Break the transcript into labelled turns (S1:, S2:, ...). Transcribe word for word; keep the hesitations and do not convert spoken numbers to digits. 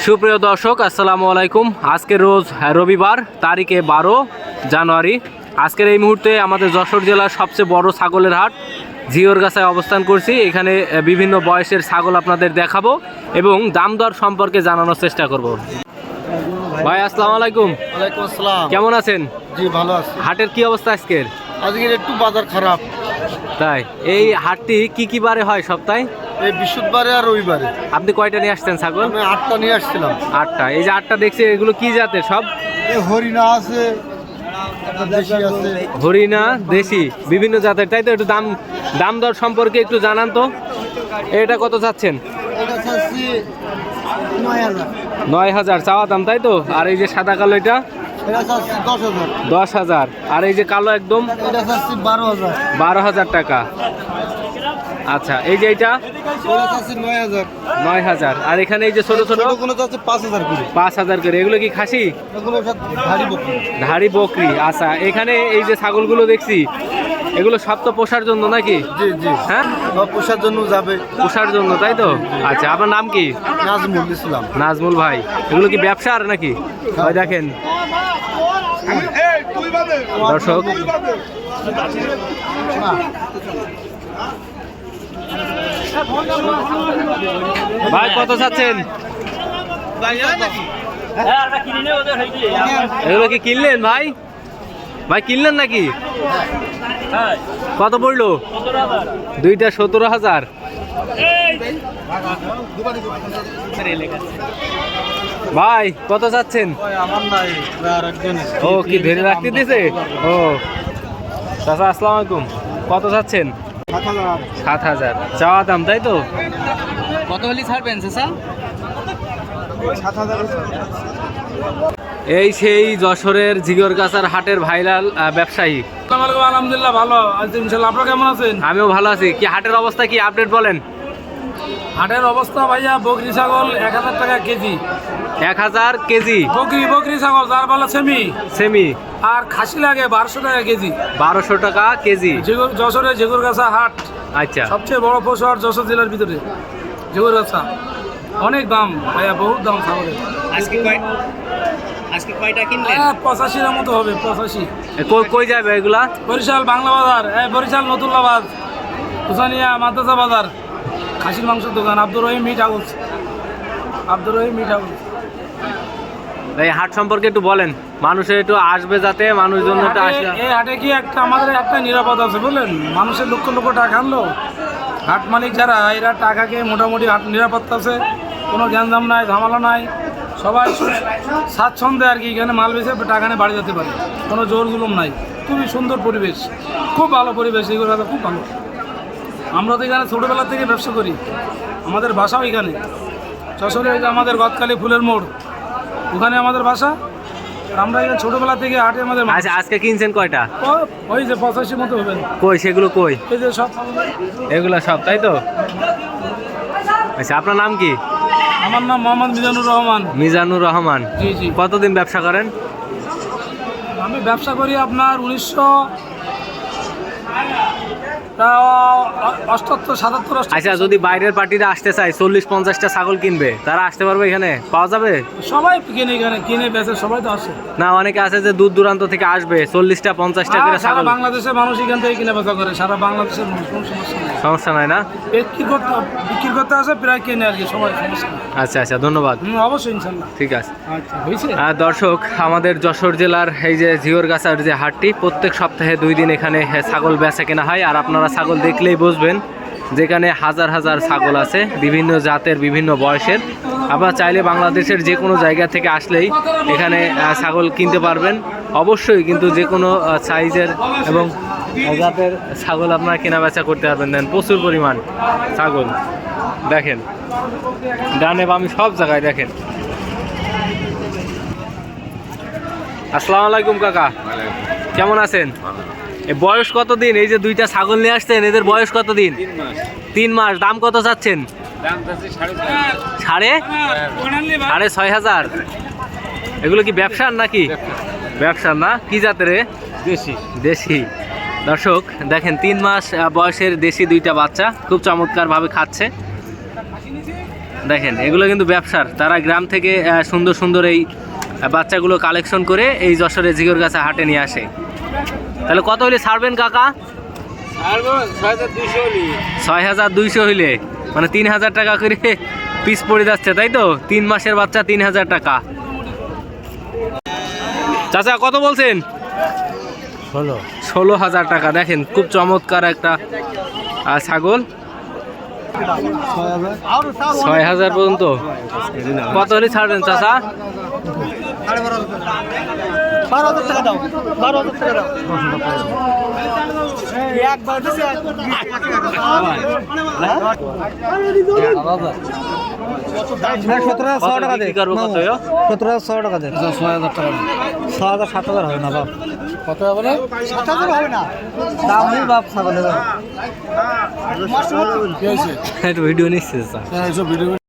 S1: সুপ্রিয় দর্শক, আসসালামু আলাইকুম। আজকে রোজ রবিবার, তারিখে বারো জানুয়ারি। আজকের এই মুহূর্তে আমাদের যশোর জেলার সবচেয়ে বড় ছাগলের হাট জিওরগাছায় অবস্থান করছি। এখানে বিভিন্ন বয়সের ছাগল আপনাদের দেখাবো এবং দাম দর সম্পর্কে জানানোর চেষ্টা করব। ভাই আসসালামু আলাইকুম।
S2: ওয়ালাইকুম আসসালাম।
S1: কেমন আছেন?
S2: জি ভালো আছি।
S1: হাটের কি অবস্থা আজকের?
S2: আজকের একটু বাজার খারাপ।
S1: তাই? এই হাটটি কি কি বারে হয় সপ্তাহে?
S2: এই বৃহস্পতিবারে আর রবিবারে।
S1: আপনি কয়টা নিয়ে আসছেন ছাগল?
S2: আমি আটটা নিয়ে আসছিলাম।
S1: আটটা। এই যে আটটা দেখছি, এগুলো কি জাতের সব?
S2: এই হরিণা আছে, একটা দেশি আছে।
S1: হরিণা দেশি বিভিন্ন জাতের, তাই তো? একটু দাম দাম দর সম্পর্কে একটু জানান তো। এটা কত চাচ্ছেন?
S2: এটা চাচ্ছি নয় হাজার।
S1: নয় হাজার চাওয়া দাম, তাই তো? আর এই যে সাদা কালো এটা
S2: এটা চাচ্ছি দশ হাজার।
S1: দশ হাজার। আর এই যে কালো একদম
S2: এটা চাচ্ছি বারো হাজার।
S1: বারো হাজার টাকা। আচ্ছা, এই যে এটা
S2: এটা চাচ্ছি নয় হাজার।
S1: নয় হাজার। আর এখানে এই যে ছোট ছোট
S2: কোনো চাচ্ছি পাঁচ হাজার করে।
S1: পাঁচ হাজার করে। এগুলো কি খাসি?
S2: এগুলো সব ভারী বকরি।
S1: ধাড়ি বকরি। আচ্ছা, এখানে এই যে ছাগলগুলো দেখছি, এগুলো সব তো পোষার জন্য নাকি?
S2: জি জি,
S1: হ্যাঁ,
S2: সব পোষার জন্য যাবে।
S1: পোষার জন্য, তাই তো? আচ্ছা, আপনার নাম কি?
S2: নাজমুল ইসলাম।
S1: নাজমুল ভাই। এগুলো কি ব্যবসার নাকি? ওই দেখেন দর্শক, ভাই কত চাচ্ছেন? এগুলো কি কিনলেন ভাই? ভাই কিনলেন নাকি? কত পড়লো? দুইটা সতেরো হাজার। ভাই কত চাচ্ছেন? ও কি ধরে রাখতে দিয়েছে? ও চাচা আসসালামু আলাইকুম। কত চাচ্ছেন? সাত হাজার চাওয়া দাম, তাই তো? কত হলে ছাড়বেন চাচা? এই সেই যশোরের জিগরগাছার হাটের ভাইরাল ব্যবসায়ী।
S3: আলহামদুলিল্লাহ ভালো আছি ইনশাআল্লাহ। আপনারা কেমন আছেন?
S1: আমিও ভালো আছি। কি হাটের অবস্থা কি আপডেট বলেন?
S3: হাটের অবস্থা ভাইয়া, বকরি ছাগল এক হাজার টাকা কেজি।
S1: এক হাজার কেজি
S3: বকরি বকরি ছাগল যার বলা সেমি
S1: সেমি।
S3: আর খাসি লাগে বারোশো টাকা কেজি।
S1: বারোশো টাকা কেজি।
S3: জিগর যশোরের জিগরগাছা হাট
S1: আচ্ছা,
S3: সবচেয়ে বড় পশু হাট যশোর জেলার ভিতরে জিগরগাছা। অনেক দাম ভাইয়া, বহুত দাম ছাগলের।
S1: আজকে কয় আজকে কয়টা কিনলেন?
S3: হ্যাঁ, পঁচাশির মতো হবে, পঁচাশি।
S1: কই কই যাবে এগুলা?
S3: বরিশাল বাংলা বাজার, হ্যাঁ বরিশাল নতুল্লাবাদ, হুসানিয়া মাদ্রাসা বাজার, খাসির মাংসের দোকান Abdur Rahim meat house. Abdur Rahim meat house.
S1: এই হাট সম্পর্কে একটু বলেন, মানুষের একটু আসবে যাতে মানুষজন একটু আসে।
S3: এই হাটে কি একটা আমাদের একটা নিরাপদ আছে বুঝলেন, মানুষের লক্ষ লক্ষ টাকা আনলো, হাট মালিক যারা এরা টাকাকে মোটামুটি হাট নিরাপত্তা আছে, কোনো গ্যাঞ্জাম নাই, ঝামেলা নাই, সবাই স্বাচ্ছন্দ্যে আর কি এখানে মাল বেচে টাকা নিয়ে বাড়ি যেতে পারে, কোনো জোর জুলুম নাই। খুবই সুন্দর পরিবেশ, খুব ভালো পরিবেশ, এইগুলো খুব ভালো। আমরা তো এখানে ছোটোবেলা থেকে ব্যবসা করি, আমাদের বাসাও এখানে যশোরে, আমাদের গদখালি ফুলের মোড়, ওখানে আমাদের বাসা। আমরা এখানে ছোটোবেলা থেকে হাটে আমাদের।
S1: আচ্ছা, আজকে কিনছেন কয়টা?
S3: ওই যে পঁচাশি মতো হবেন।
S1: কই সেগুলো কই?
S3: এই যে সব
S1: এগুলা সব, তাই তো? আচ্ছা, আপনার নাম কি?
S3: আমার নাম মোহাম্মদ মিজানুর রহমান।
S1: মিজানুর রহমান।
S3: জি জি।
S1: কতদিন ব্যবসা করেন?
S3: আমি ব্যবসা করি আপনার উনিশশো অষ্টাত্তর সাতাত্তর।
S1: আচ্ছা, যদি বাইরের পার্টিরা আসতে চায়, চল্লিশ পঞ্চাশটা ছাগল কিনবে, তারা আসতে পারবে এখানে? পাওয়া যাবে?
S3: সবাই কিনে এখানে কিনে বেচে, সবাই তো আসে
S1: না, অনেকে আছে যে দূর দূরান্ত থেকে আসবে, চল্লিশটা পঞ্চাশটা করে
S3: সারা
S1: ছাগল।
S3: বাংলাদেশের মানুষ এখান থেকে কিনে বেচা করে, সারা বাংলাদেশের মানুষ, কোনো সমস্যা নেই।
S1: সমস্যা নাই না?
S3: বিক্রি করতে বিক্রি করতে আসে, প্রায় কিনে আর কি সবাই, সমস্যা নেই।
S1: আচ্ছা আচ্ছা, ধন্যবাদ।
S3: হুম, অবশ্যই ইনশাল্লাহ।
S1: ঠিক আছে।
S3: আচ্ছা, হয়েছে।
S1: আর দর্শক, আমাদের যশোর জেলার এই যে জিওরগাছার যে হাটটি, প্রত্যেক সপ্তাহে দুই দিন এখানে ছাগল বেচা কেনা হয়। আর আপনারা ছাগল দেখলেই বুঝবেন যেখানে হাজার হাজার ছাগল আছে, বিভিন্ন জাতের, বিভিন্ন বয়সের। আপনারা চাইলে বাংলাদেশের যে কোনো জায়গা থেকে আসলেই এখানে ছাগল কিনতে পারবেন অবশ্যই, কিন্তু যে কোনো সাইজের এবং জাতের ছাগল আপনারা কেনা বেচা করতে পারবেন। দেন প্রচুর পরিমাণ ছাগল দেখেন, ডানে বামে সব জায়গায় দেখেন। আসসালামু আলাইকুম কাকা, কেমন আছেন? এই বয়স কতদিন? এই যে দুইটা ছাগল নিয়ে আসছেন, এদের বয়স কতদিন? তিন মাস। দাম কত চাচ্ছেন? সাড়ে সাড়ে ছয় হাজার। এগুলো কি ব্যবসার নাকি? ব্যবসার না? কি জাতের? দেশি। দেশি। দর্শক দেখেন, তিন মাস বয়সের দেশি দুইটা বাচ্চা, খুব চমৎকার ভাবে খাচ্ছে। দেখেন এগুলো কিন্তু ব্যবসার, তারা গ্রাম থেকে আহ, সুন্দর সুন্দর এই আহ, বাচ্চাগুলো কালেকশন করে এই যশোরের জিগরগাছা হাটে নিয়ে আসে। তাহলে কত হলে ছাড়বেন কাকা? ছয় হাজার দুইশো হইলে মানে তিন হাজার টাকা করে পিস পড়ে যাচ্ছে, তাই তো? তিন মাসের বাচ্চা তিন হাজার টাকা। চাচা কত বলছেন?
S2: ষোলো
S1: ষোলো হাজার টাকা। দেখেন খুব চমৎকার একটা আহ, ছাগল। ছয় হাজার পর্যন্ত কত হলে ছাড়বেন চাচা?
S2: বারো হাজার টাকা দাও, বারো হাজার টাকা দাও। একবার দিছে সতেরো হাজার টাকা দে,
S1: বিক্রি করবো কত?
S2: সতেরো হাজার ছয় টাকা দে, ছয় হাজার টাকা ছয় হাজার সাত হাজার হবে না বাপ। কত হবে না? সাত হাজার হবে না, দাম নেই বাপ ছাগলের।
S1: ভিডিও নিচ্ছে
S2: ভিডিও